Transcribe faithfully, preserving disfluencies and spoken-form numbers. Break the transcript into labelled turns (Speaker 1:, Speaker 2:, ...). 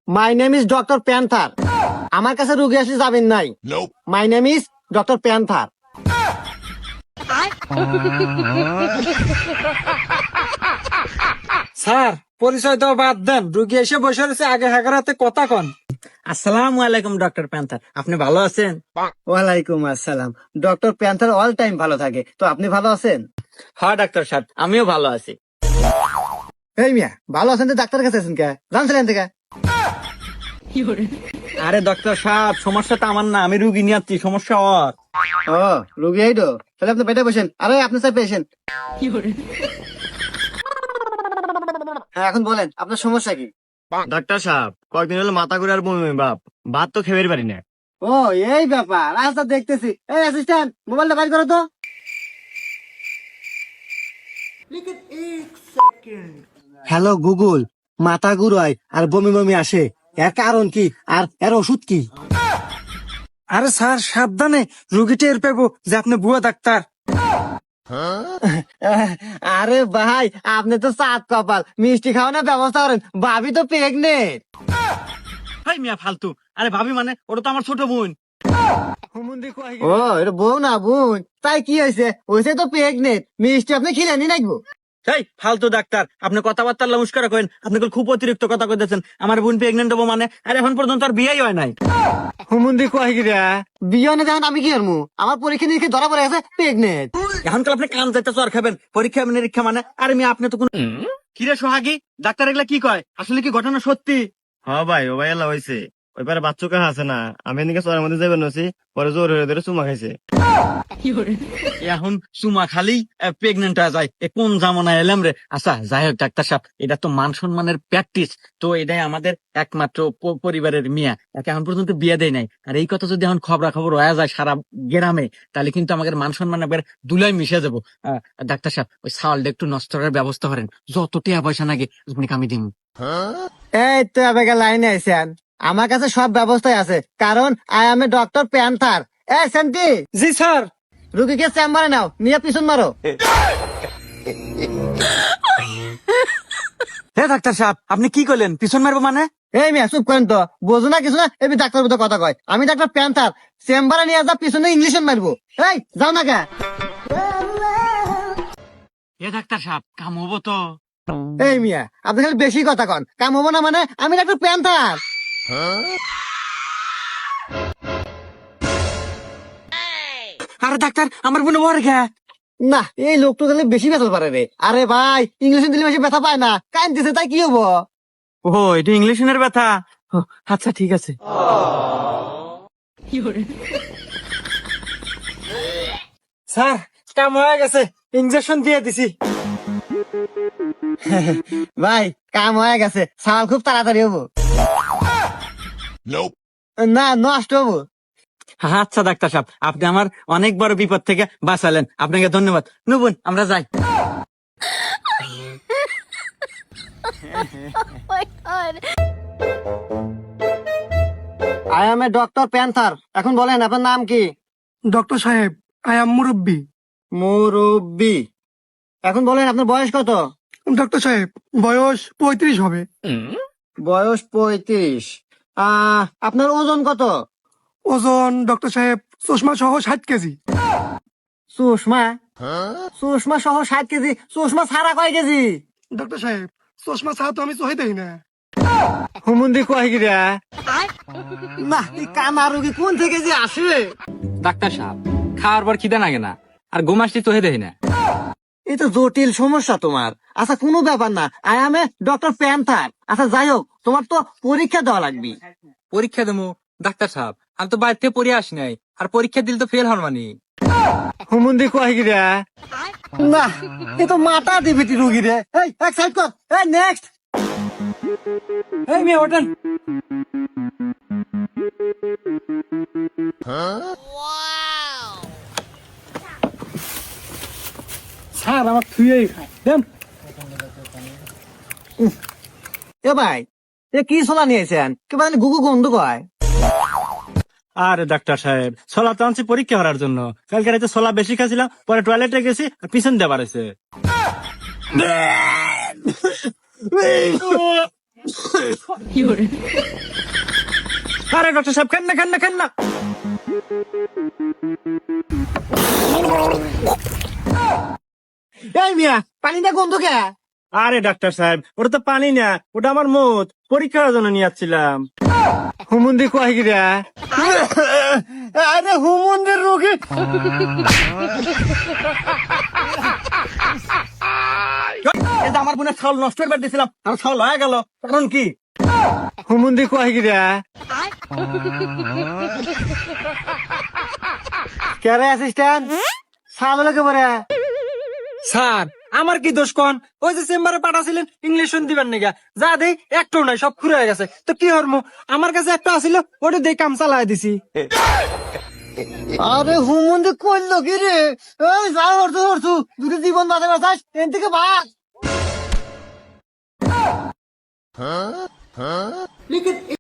Speaker 1: My name is doctor Panther. আমার কাছে রুগী আসলে যাবেন নাই। My name is doctor Panther.
Speaker 2: Sir পরিচয় তো বাদ দেন, রুগী এসে বসে রয়েছে, আগে হাগারাতে কথা কন।
Speaker 1: আসসালামু আলাইকুম ডক্টর প্যান্থার, আপনি ভালো আছেন? ওয়ালাইকুম আসসালাম। ডক্টর প্যান্থার অল টাইম ভালো থাকে, তো আপনি ভালো আছেন? হ্যাঁ ডাক্তার সাহেব, আমিও ভালো আছি। এই মিয়া, ভালো আছেন তো ডাক্তার কাছে আছেন কে? জানছিলেন থেকে? আরে ডক্টর সাহেব, সমস্যা তো আমার না, আমি রুগী নিয়ে আসছি, সমস্যা ওর। ও রুগী এই তো, তাহলে আপনি বেডে বসেন। আরে আপনি স্যার পেশেন্ট। হ্যাঁ এখন বলেন আপনার সমস্যা কি?
Speaker 3: ডাক্তার সাহেব, কয়েকদিন হলো মাথা ঘুরে আর বমি বমি ভাব, ভাত তো খেয়ে পারি না।
Speaker 1: ও এই ব্যাপার, আচ্ছা দেখতেছি। এই অ্যাসিস্ট্যান্ট, মোবাইলটা বাইর করো তো। হ্যালো গুগল, মাথা ঘুরায় আর বমি বমি আসে, এর কারণ কি আর এর ওষুধ কি?
Speaker 2: আরে স্যার সাবধানে, রুগী টের পেবো যে আপনি বুয়া ডাক্তার।
Speaker 1: আরে ভাই, আপনি তো সাত কপাল, মিষ্টি খাওয়ানোর ব্যবস্থা করেন, ভাবি তো প্রেগনেন্ট।
Speaker 3: হাই মিয়া ফালতু, আরে ভাবি মানে ওটা তো আমার ছোট বোন।
Speaker 1: ও এটা বউ না বোন, তাই কি হয়েছে? হয়েছে তো প্রেগনেন্ট, মিষ্টি আপনি খিলানি নাকবো।
Speaker 3: এই ফালতু ডাক্তার, আপনি কথাবার্তা নমস্কার করেন, আপনি খুব অতিরিক্ত কথা কইতেছেন। আমার বোন প্রেগনেন্ট হবো মানে, আর এখন পর্যন্ত আর বিয়েই হয় নাই।
Speaker 1: হুমুন্দি কয় গিরা বিয়ে না, দেখেন আমি কি করবো? আমার পরীক্ষা নিরীক্ষা ধরা পড়ে গেছে প্রেগনেন্ট।
Speaker 3: এখনকাল আপনি কান যাইতে চর খাবেন, পরীক্ষা নিরীক্ষা মানে? আরে মিয়া আপনি তো কোন কিরে সোহাগী, ডাক্তার এগুলা কি কয়? আসলে কি ঘটনা সত্যি?
Speaker 4: হ্যাঁ ভাই, ও ভাই এলা হয়েছে। ওই পারে বাচ্চু কাহা আছে না, আমি এদিকে চরের মধ্যে যাবেন নছি, পরে জোর হয়ে ধরে চুমা খাইছে।
Speaker 3: এখন চুমা খালি প্রেগনেন্ট হয়ে যায়, এ কোন জামানায় এলাম রে? আচ্ছা যাই হোক ডাক্তার সাহেব, এটা তো মান সম্মানের প্র্যাকটিস, তো এটাই আমাদের একমাত্র প- পরিবারের মিয়া, একে এখন পর্যন্ত বিয়ে দেয় নাই। আর এই কথা যদি এখন খবরা খবর হয়ে যায় সারা গ্রামে, তাহলে কিন্তু আমাদের মান সম্মান একবার দুলাই মিশে যাবো। আহ, ডাক্তার সাহেব, ওই চাউলটা একটু নষ্ট করার ব্যবস্থা করেন, যত টাকা পয়সা নাকি আমি দিন।
Speaker 1: এই তো আবেগে লাইনে আইছেন, আমার কাছে সব ব্যবস্থাই আছে, কারণ I am a doctor Panther. এ শান্তি,
Speaker 2: জি স্যার।
Speaker 1: রুগীকে চেম্বারে নাও, নিয়ে পিছন মারো।
Speaker 3: হে ডাক্তার সাহেব, আপনি কি করলেন? পিছন মারবো মানে?
Speaker 1: এই মেয়ে চুপ করেন তো, বোঝো না কিছু না, এবি ডাক্তার মতো কথা কয়। আমি ডাক্তার প্যান্থার, চেম্বারে নিয়ে যা, পিছনে ইংলিশে মারবো। এই যাও না কে?
Speaker 3: এ ডাক্তার সাহেব, কাম হবো তো?
Speaker 1: এই মিয়া আপনি খালি বেশি কথা কন, কাম হবো না মানে? আমি ডাক্তার প্যান্থার।
Speaker 3: আরে ডাক্তার, আমার বোন ওর ঘা।
Speaker 1: না এই লোক তো তাহলে বেশি ব্যথা পারে রে। আরে ভাই, ইংলিশে দিলে বেশি ব্যথা পায় না, কান দিছে তাই কি হবো?
Speaker 3: ও এটা ইংলিশের ব্যথা? ও, আচ্ছা ঠিক আছে।
Speaker 2: স্যার কাম হয়ে গেছে, ইঞ্জেকশন দিয়ে দিছি।
Speaker 1: ভাই কাম হয়ে গেছে, সাল খুব তাড়াতাড়ি হবো। না নষ্ট হবো।
Speaker 3: আচ্ছা ডাক্তার সাহেব, আপনি আমার অনেক বড় বিপদ থেকে বাঁচালেন, আপনাকে ধন্যবাদ। নুবুন আমরা যাই।
Speaker 1: I am a doctor Panther. এখন বলেন আপনার নাম কি?
Speaker 2: ডক্টর সাহেব, আই এম মুরব্বী।
Speaker 1: মুরব্বি। এখন বলেন আপনার বয়স কত?
Speaker 2: ডক্টর সাহেব বয়স পঁয়ত্রিশ হবে।
Speaker 1: বয়স পঁয়ত্রিশ। আহ আপনার ওজন কত?
Speaker 2: ওজন ডক্টর সাহেব চশমা সহ ষাট কেজি।
Speaker 1: সুষমা? সুষমা সহ ষাট কেজি? সুষমা ছাড়া কয় কেজি?
Speaker 2: ডক্টর সাহেব চশমা ছাড়া তো আমি চোখে দেখি না।
Speaker 1: হুমুন্দি কয় গিরা না, এই কানা রোগী কোন থেকে যে আসে?
Speaker 5: ডাক্তার সাহেব, খাওয়ার পর খিদে লাগে না, আর ঘুম আসলে চোখে দেখি না।
Speaker 1: এই তো জটিল সমস্যা তোমার। আচ্ছা কোনো ব্যাপার না, I am a doctor Panther. আচ্ছা যাই হোক, তোমার তো পরীক্ষা দেওয়া লাগবে।
Speaker 5: পরীক্ষা দেবো? ডাক্তার সাহেব আমি তো বাইরে থেকে পড়ে আসি নাই, আর পরীক্ষা দিলে তো ফেল হন মানি।
Speaker 1: হুমুন্দি কয় গিরা না, এ তো মাথা দিবিটি রুগী রে। এই এক সাইড কর, এই নেক্সট।
Speaker 2: এই মেয়ে ওঠেন। স্যার আমার থুয়েই খায় দেন।
Speaker 1: এ ভাই, এ কি সোলা নিয়েছেন? কে মানে গুগু গন্ধ কয়?
Speaker 3: আরে ডাক্তার সাহেব, ছোলা তো আনছি পরীক্ষা করার জন্য। কালকে রাতে ছোলা বেশি খাচ্ছিলাম, পরে টয়লেটে গেছি আর পিছন দিয়ে বাড়াইছে। আরে ডক্টর সাহেব খান না খান না খান না
Speaker 1: এই মিয়া পানিটা গন্ধ কে?
Speaker 4: আরে ডাক্তার সাহেব ওটা তো পানি না, ওটা আমার মত পরীক্ষার জন্য নিয়ে যাচ্ছিলাম।
Speaker 1: হুমুন্দি কয় গিরা? আরে হুমুন্দির রোগী।
Speaker 3: এই যে আমার বোনের ছাল নষ্ট করবার দিয়েছিলাম আর ছাল হয়ে গেল, কারণ কি?
Speaker 1: হুমুন্দি কয় গিরা? কেরে অ্যাসিস্ট্যান্ট সামলে কে বরে?
Speaker 2: স্যার আমার কি দোষ কোন? ওই যে চেম্বারে পাঠাছিলেন ইংলিশ দিবেন নাকি, যা দেই একটাও নাই, সব খুলে গেছে। তো কি হরমু, আমার কাছে একটা আসিল, ওটা দিয়ে কাম চালাই দিছি।
Speaker 1: আরে হুমুন্দি কইলো কি রে? এই যা হরছু হরছু দুটো জীবন বাঁচা বাঁচাস এন থেকে ভাগ।